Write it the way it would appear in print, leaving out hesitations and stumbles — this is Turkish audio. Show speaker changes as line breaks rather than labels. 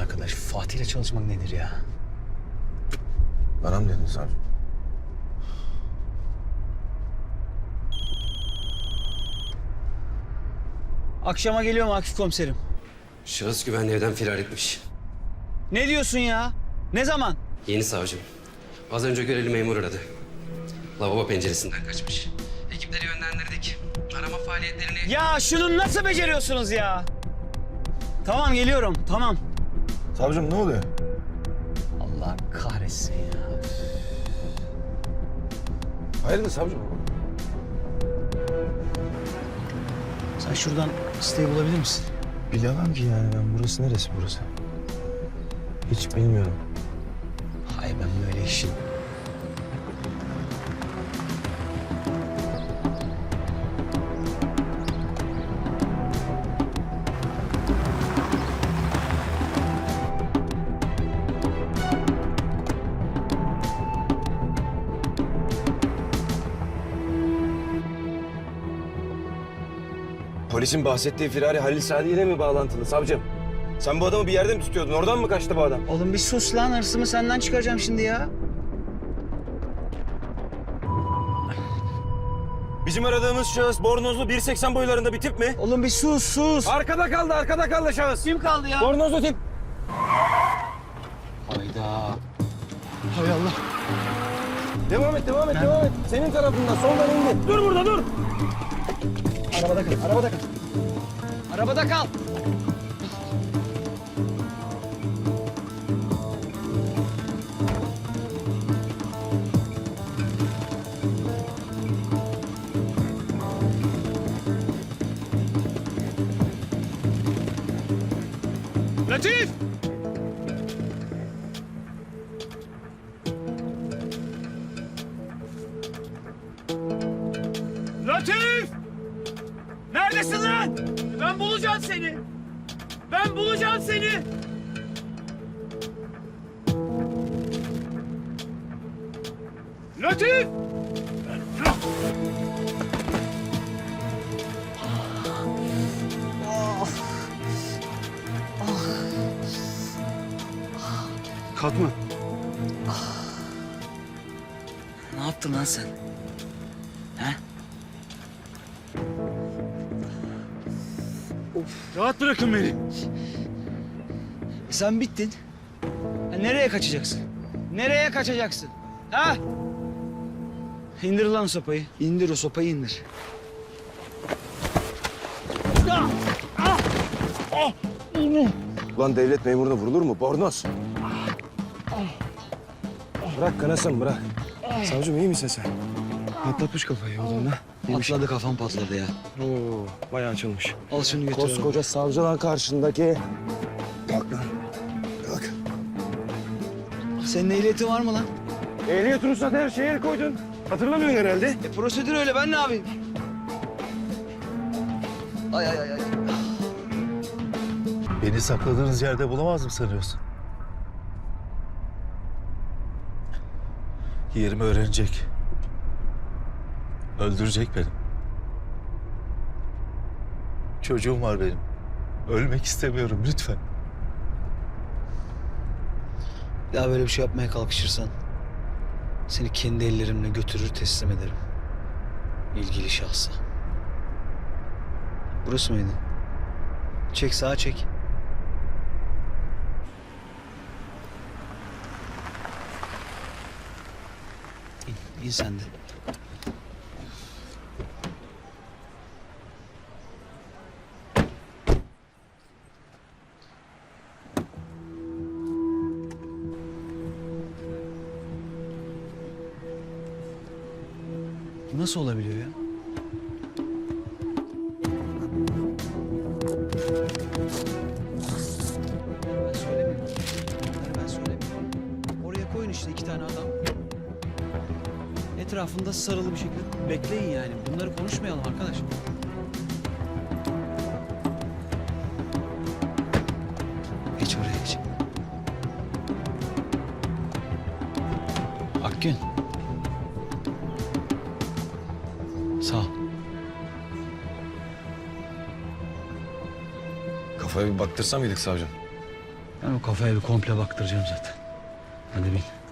arkadaş. Fatih'le çalışmak nedir ya?
Bana mı dedin savcı?
Akşama geliyorum Akif komiserim.
Şahıs güvenli evden firar etmiş.
Ne diyorsun ya? Ne zaman?
Yeni savcım. Az önce görevli memur aradı. Lavabo penceresinden kaçmış. Ekipleri yönlendirdik. Arama faaliyetlerini...
Ya şunu nasıl beceriyorsunuz ya? Tamam geliyorum, tamam.
Savcım ne oluyor?
Allah kahretsin ya.
Hayırdır savcım?
Sen şuradan siteyi bulabilir misin?
Bilemem ki yani ben. Burası neresi burası? Hiç bilmiyorum.
Hay ben böyle işin.
Polisin bahsettiği firari Halil Sadi ile mi bağlantılı savcım? Sen bu adamı bir yerde mi tutuyordun? Oradan mı kaçtı bu adam?
Oğlum bir sus lan, hırsımı senden çıkaracağım şimdi ya.
Bizim aradığımız şahıs bornozlu 1.80 boylarında bir tip mi?
Oğlum bir sus.
Arkada kaldı şahıs.
Kim kaldı ya?
Bornozlu tip.
Hayda. Hay Allah.
Devam et. Senin tarafından soldan indi. Dur burada dur.
Arabada kal. Latif! Latif! Neredesin lan? Ben bulacağım seni. Latif!
Kalkma.
Ne yaptın lan sen? He?
Rahat bırakın beni.
Sen bittin. Ha, nereye kaçacaksın? Nereye kaçacaksın? Ha? İndir lan sopayı. İndir o sopayı indir.
Ulan devlet memuruna vurulur mu? Bornoz. Bırak kanasın bırak. Savcım iyi misin sen? Patlatmış kafayı yolunda.
Patladı, kafam patladı ya.
Oo, bayağı açılmış.
Al şunu götür.
Koskoca savcılar karşındaki. Kalk lan. Kalk.
Senin ehliyetin var mı lan?
Ehliyet ruhsat her şeye el koydun. Hatırlamıyorsun herhalde.
Prosedür öyle, ben ne yapayım? Ay.
Beni sakladığınız yerde bulamaz mı sanıyorsun? Yerimi öğrenecek. Öldürecek beni. Çocuğum var benim. Ölmek istemiyorum lütfen.
Bir daha böyle bir şey yapmaya kalkışırsan seni kendi ellerimle götürür teslim ederim. İlgili şahsa. Burası mıydı? Çek, sağa çek. İn sen de. Bu nasıl olabiliyor ya? Ben söylemiyorum. Ben söylemiyorum. Oraya koyun işte 2 tane adam. Etrafında sarılı bir şekilde bekleyin yani. Bunları konuşmayalım arkadaş. Geç oraya geç. Akgün. Sağ ol.
Kafaya bir baktırsa mıydık savcım?
Ben o kafaya bir komple baktıracağım zaten. Hadi bin.